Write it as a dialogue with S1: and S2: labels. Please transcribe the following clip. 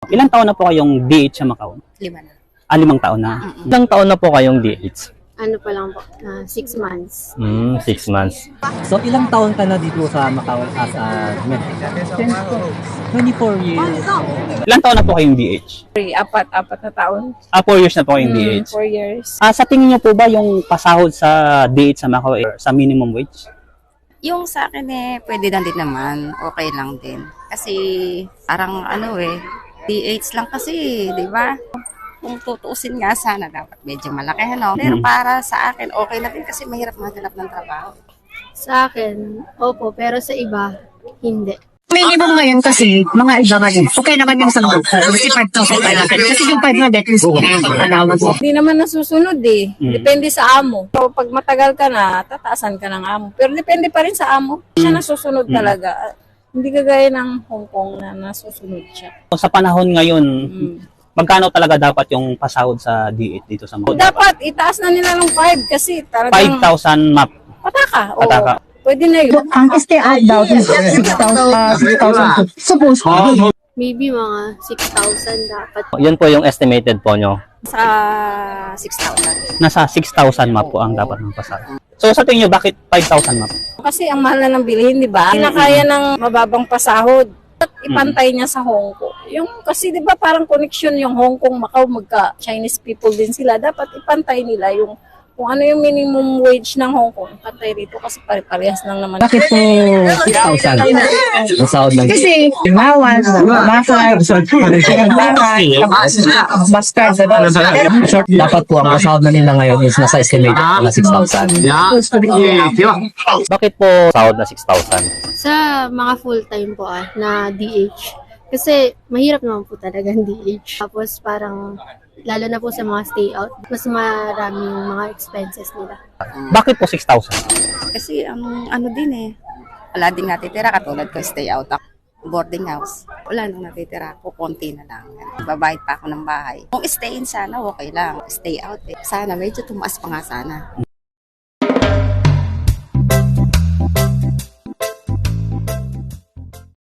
S1: Ilang taon na po kayong DH sa Macau?
S2: 5 na.
S1: 5 taon na.
S3: Ilang taon na po kayong DH?
S4: Ano pa lang po, 6 months.
S3: 6 months.
S5: So, ilang taon ka na dito sa Macau as a medical? 24 years.
S1: Ilang taon na po kayong DH?
S2: Apat na taon.
S1: 4 years na po kayong DH.
S2: 4 years.
S1: Sa tingin niyo po ba yung pasahod sa DH sa Macau sa minimum wage?
S2: Yung sa akin pwede lang din naman. Okay lang din. Kasi parang DH lang kasi, di ba? Kung tutuusin nga sana, dapat medyo malaki, Pero para sa akin, okay na din kasi mahirap maghanap ng trabaho.
S4: Sa akin, opo, pero sa iba, hindi.
S6: Minimum ngayon kasi, mga iba ngayon, okay naman yung sanggup. Kasi 5,000 pa natin. Kasi yung 500 is allowance.
S7: Hindi naman nasusunod Depende sa amo. So, pag matagal ka na, tataasan ka ng amo. Pero depende pa rin sa amo. Siya nasusunod talaga. Hindi kagaya ng Hong Kong na nasusunod siya.
S1: Sa panahon ngayon, magkano talaga dapat yung pasahod sa DH dito sa Macau?
S7: Dapat itaas na nila ng 5 kasi talagang
S1: 5,000 map.
S7: pataka. Oo.
S1: Pataka.
S7: Pwede na yun.
S6: Ang stay out daw is 6,000. Suppose.
S4: Maybe mga 6,000 dapat.
S3: Yan po yung estimated po nyo.
S2: Sa 6,000.
S1: Nasa 6,000 map po ang dapat ng pasahod. So sa tingin niyo, bakit 5,000 map?
S7: Kasi ang mahal na ng bilihin, di ba? Hindi na kaya ng mababang pasahod. At ipantay niya sa Hong Kong. Kasi di ba parang connection yung Hong Kong, Macau, magka Chinese people din sila. Dapat ipantay nila yung kung ano yung minimum wage ng Hong Kong. Pantay rito kasi pare-parehas lang naman.
S5: Bakit po 6,000? Ang sahod lang.
S6: Kasi, bawal, bakal, bastard.
S5: Short, dapat po ang sahod na nila ngayon is nasa estimated na 6,000.
S3: Bakit po sahod na 6,000?
S4: Sa mga full-time po na DH. Kasi mahirap naman po talaga ang DH. Tapos parang, lalo na po sa mga stay out, mas marami yung mga expenses nila.
S1: Bakit po 6,000?
S2: Kasi wala din natitira. Katulad ko, stay out ako. Boarding house. Wala nang natitira. Kukunti na lang. Babayad pa ako ng bahay. Kung stay in sana, okay lang. Stay out Sana medyo tumaas pa nga sana.